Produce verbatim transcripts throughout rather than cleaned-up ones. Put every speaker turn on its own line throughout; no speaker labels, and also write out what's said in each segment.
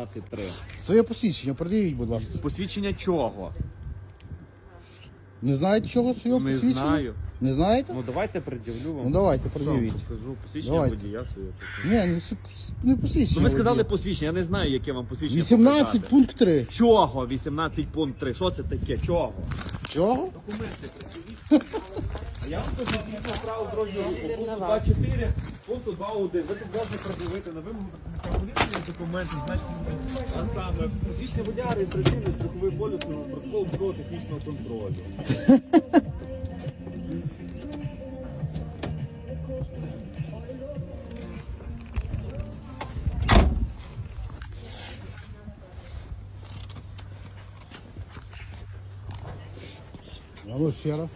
двадцять три.
Своє посвідчення, продивіть, будь ласка.
Посвідчення чого?
Не знаєте, чого своє
Не
посвідчення?
знаю.
Не знаєте?
Ну давайте пред'явлю вам.
Ну давайте,
Що,
пред'явіть.
покажу посвідчення
Давайте.
водія своє.
Ні, не, с- не посвідчення.
Ну ви сказали
водія.
посвідчення, я не знаю, яке вам посвідчення
вісімнадцять
показати.
пункт три.
Чого? вісімнадцять пункт три. Що це таке? Чого?
Чого?
Документи пред'явіть. А я вам кажу, згідно правил дорожнього руху. Пункт два чотири, пункт два один. Ви тут можете пред'явити на вимогу поліції документи, значить, а саме посвідчення водія, реєстраційний страховий поліс, протокол військового технічного контролю.
А ну ще раз.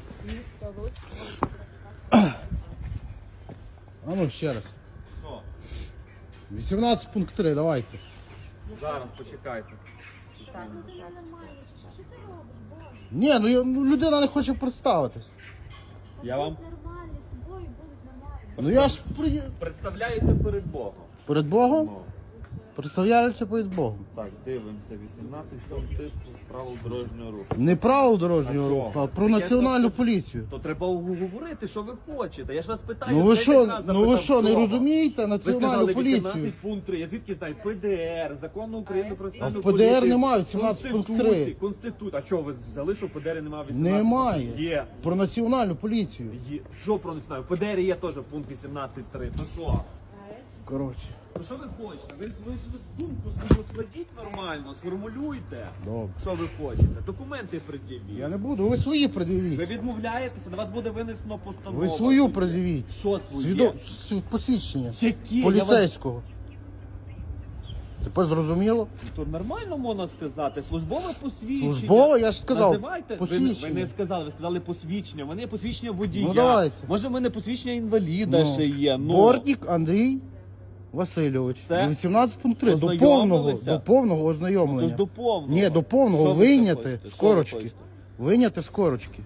А ну ще раз.
Що?
вісімнадцять пункт три, давайте.
Зараз почекайте.
Так, ну ти нормально, чи що, що ти робиш, Боже?
Ні, ну, я- ну людина не хоче представитись.
Та
Я вам-
будуть нормальні, з тобою будуть нормальні.
Ну я ж при...
Представляється перед Богом.
перед Богом
Ну,
представляюся перед Богом.
так, дивимося. вісімнадцять пунктів правил дорожнього руху.
Не правил дорожнього
А
руху,
чого?
а про
Я ж
національну
вас-
поліцію.
То треба говорити, що ви хочете. Я ж вас питаю.
Ну ви
десять
що,
разів
ну ви
запитав,
що, не
чого?
розумієте
Ви
національну
сказали
поліцію?
вісімнадцять пункт три. Я звідки знаю? Пе де ер, закон України про національну
в Пе де ер
поліцію.
немає вісімнадцять пункт три.
Конституції, Конституція. А що, ви взяли, що в Пе де ер немає вісімнадцять?
Немає.
Є.
Про національну поліцію.
Є. Що про не знаю? В Пе де ер є теж пункт вісімнадцять три. То що?
Коротше,
Ну що ви хочете? Ви, ви, ви думку свою складіть нормально, сформулюйте.
добре.
Що ви хочете? Документи пред'явіть.
Я не буду, ви свої
Ви
пред'явіть.
відмовляєтеся, на вас буде винесено постанова.
Ви свою пред'явіть.
Що своє?
Свідо... с- посвідчення.
Які? Я вас...
Поліцейського. Тепер зрозуміло?
То нормально можна сказати. Службове посвідчення.
Службове, я ж сказав,
Називайте. Ви,
посвідчення.
ви не сказали, ви сказали посвідчення. У мене є посвідчення водія.
Ну, давайте.
Може в мене посвідчення інваліда ще є. Ну.
Бортник Андрій Васильович.
Все?
вісімнадцять пункт три. До повного,
Ознайомилися?
до повного
Ну,
ознайомлення.
то ж до повного.
Ні, до повного.
Що ви ще
Вийняти
хочете?
з
Що ви
корочки.
хочете?
Вийняти з корочки.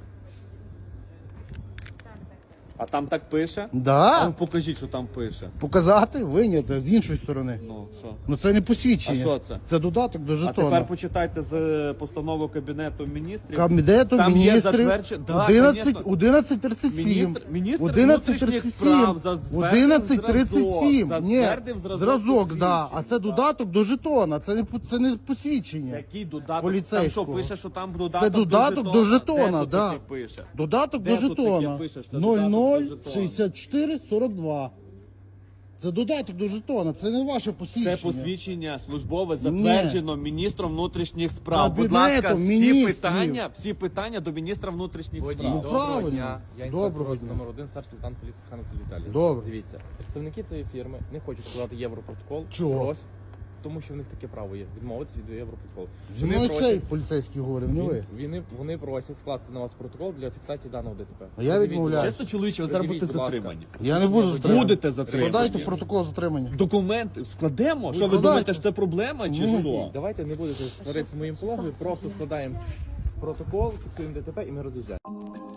А там так пише? А
Да.
ну, покажіть, що там пише.
Показати, вийняти з іншої сторони.
Ну, що?
Ну це не посвідчення.
А що це?
Це додаток до
А
жетона.
тепер почитайте з е, постанови Кабінету міністрів.
Кабінету
Там є
міністрів
затверджен- Да,
одинадцять
конечно.
одинадцять тридцять сім.
Міністр, міністр
одинадцять
внутрішніх
тридцять
справ
сім.
затвердив
одинадцять тридцять сім.
зразок,
Ні,
затвердив зразок
зразок, да.
посвідчення.
А це додаток до жетона. Це не по- це не посвідчення.
Який додаток?
Поліцейського.
Там що пише, що там додаток
Це додаток
до
до
жетона?
жетона,
Де тут
да.
таке пише?
Додаток
Де
до
тут таке
жетона.
пише, що
нуль
додаток
нуль
до жетона?
шістдесят чотири сорок два. Це додаток до жетона, це не ваше посвідчення.
Це посвідчення службове затверджено міністром внутрішніх справ. Будь
Кабінетом
ласка, всі
міністрів.
питання, всі питання до міністра внутрішніх
Водій,
справ.
Ну,
доброго
правильно.
дня. Я
Доброго
інспектор
дня.
номер один, старший лейтенант поліції Ханас Віталій.
Добре.
Дивіться, представники цієї фірми не хочуть складати європротокол.
Чого?
Просять, тому що в них таке право є. Відмовитися від європротоколу.
Зі мною цей поліцейський говорив, не ви.
Вони, вони просять скласти на вас протокол для фіксації даного ДТП.
А я
Подивіть,
відмовляюсь.
Чесно, чоловіче, ви зараз
Придивіть,
будете
будь ласка.
затримані.
Я не буду затриманий.
Будете затримані.
Складайте протокол затримання.
Документи складемо? Що ви
складайте.
думаєте, що це проблема чи
Ну,
що?
Давайте не будете сваритися з моїм пологою, просто складаємо протокол, фіксуємо ДТП і ми роз'їжджаємо.